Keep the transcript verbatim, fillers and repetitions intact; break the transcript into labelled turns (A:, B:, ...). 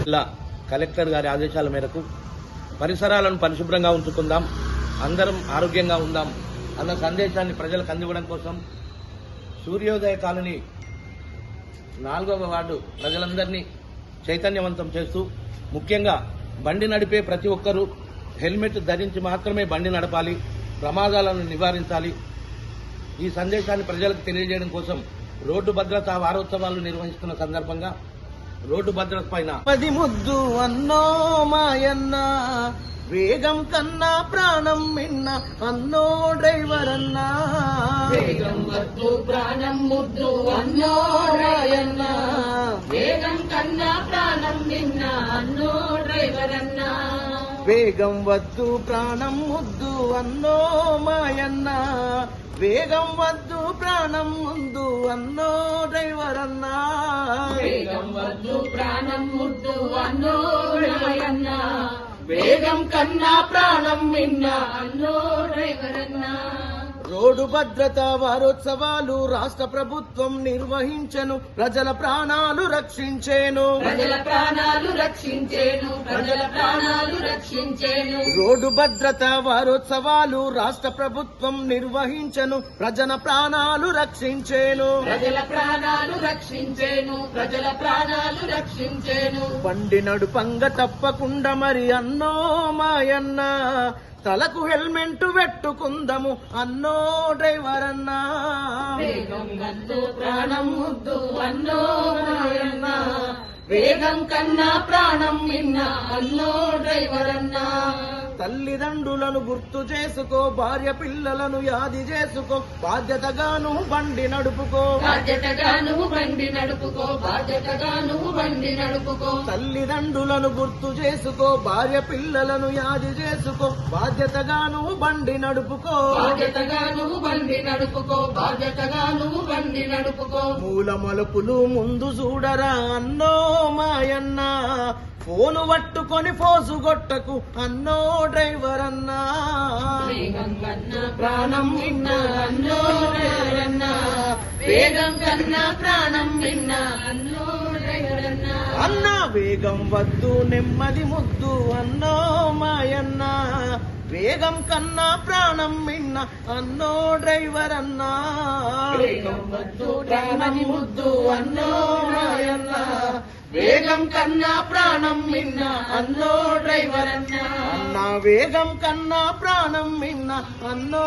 A: ఇలా కలెక్టర్ గారి ఆదేశాల మేరకు పరిసరాలను పరిశుభ్రంగా ఉంచుకుందాం, అందరం ఆరోగ్యంగా ఉందాం అన్న సందేశాన్ని ప్రజలకు అందివ్వడం కోసం సూర్యోదయ కాలనీ నాలుగవ వార్డు ప్రజలందరినీ చైతన్యవంతం చేస్తూ ముఖ్యంగా బండి నడిపే ప్రతి ఒక్కరూ హెల్మెట్ ధరించి మాత్రమే బండి నడపాలి, ప్రమాదాలను నివారించాలి. ఈ సందేశాన్ని ప్రజలకు తెలియజేయడం కోసం రోడ్డు భద్రతా వారోత్సవాలు నిర్వహిస్తున్న సందర్భంగా రోడ్డు భద్రత పైన
B: పది ముద్దు అన్నో మాయన్న, వేగం కన్నా ప్రాణం మిన్న అన్నో డ్రైవర్ అన్నా,
C: వేగం వద్దు ప్రాణం ముద్దు అన్నో రాయన్న, వేగం కన్నా ప్రాణం మిన్న అన్నో డ్రైవర్ అన్నా,
B: వేగం వద్దు ప్రాణం ముద్దు అన్నో మాయన్న, వేగం వద్దు ప్రాణం ముందు అన్నో డ్రైవర్ అన్నా,
C: వేగం వద్దు ప్రాణం ముద్దు అన్నో రాయన్న, వేగం కన్నా ప్రాణం మిన్న అన్నో డ్రైవర్ అన్నా.
B: రోడ్డు భద్రతా వారోత్సవాలు రాష్ట్ర ప్రభుత్వం నిర్వహించెను, ప్రజల ప్రాణాలు రక్షించేను,
C: ప్రజల ప్రాణాలు రక్షించేను, ప్రజల ప్రాణాలు రక్షించేను.
B: రోడ్డు భద్రతా వారోత్సవాలు రాష్ట్ర ప్రభుత్వం నిర్వహించెను, ప్రజల ప్రాణాలు రక్షించేను,
C: ప్రజల ప్రాణాలు రక్షించేను, ప్రజల ప్రాణాలు రక్షించేను.
B: బండి నడుపంగ తప్పకుండా మరి అన్నో మాయన్న, తలకు హెల్మెట్ పెట్టుకుందము అన్నో డ్రైవర్ అన్నా,
C: వేగం వద్దు ప్రాణం ముద్దు అన్నో రాయన్న, వేగం కన్నా ప్రాణం మిన్న అన్నో డ్రైవర్ అన్నా.
B: తల్లిదండ్రులను గుర్తు చేసుకో, భార్య పిల్లలను యాది చేసుకో, బాధ్యతగాను బండి నడుపుకో,
C: బాధ్యతగాను బండి నడుపుకో, బాధ్యతగాను బండి నడుపుకో.
B: తల్లిదండ్రులను గుర్తు చేసుకో, భార్య పిల్లలను యాది చేసుకో, బాధ్యతగాను బండి నడుపుకో,
C: బాధ్యతగాను బండి నడుపుకో, బాధ్యతగాను బండి నడుపుకో.
B: మూల మలుపులు ముందు చూడరా అన్నో మాయన్న, ఫోను పట్టుకొని ఫోసు గొట్టకు అన్నో డ్రైవర్ అన్నా,
C: వేగం కన్నా ప్రాణం మిన్న అన్నో డ్రైవర్ అన్నా, వేగం కన్నా ప్రాణం మిన్న అన్నో డ్రైవర్ అన్నా.
B: అన్నా వేగం వద్దు నెమ్మది ముద్దు అన్నో మాయన్న, వేగం కన్నా ప్రాణం మిన్న అన్నో డ్రైవర్ అన్నా,
C: వేగం వద్దు ప్రాణం ముద్దు అన్నో రాయన్న, వేగం కన్నా ప్రాణం మిన్న అన్నో డ్రైవర్ అన్నా.
B: అన్నా వేగం కన్నా ప్రాణం మిన్న అన్నో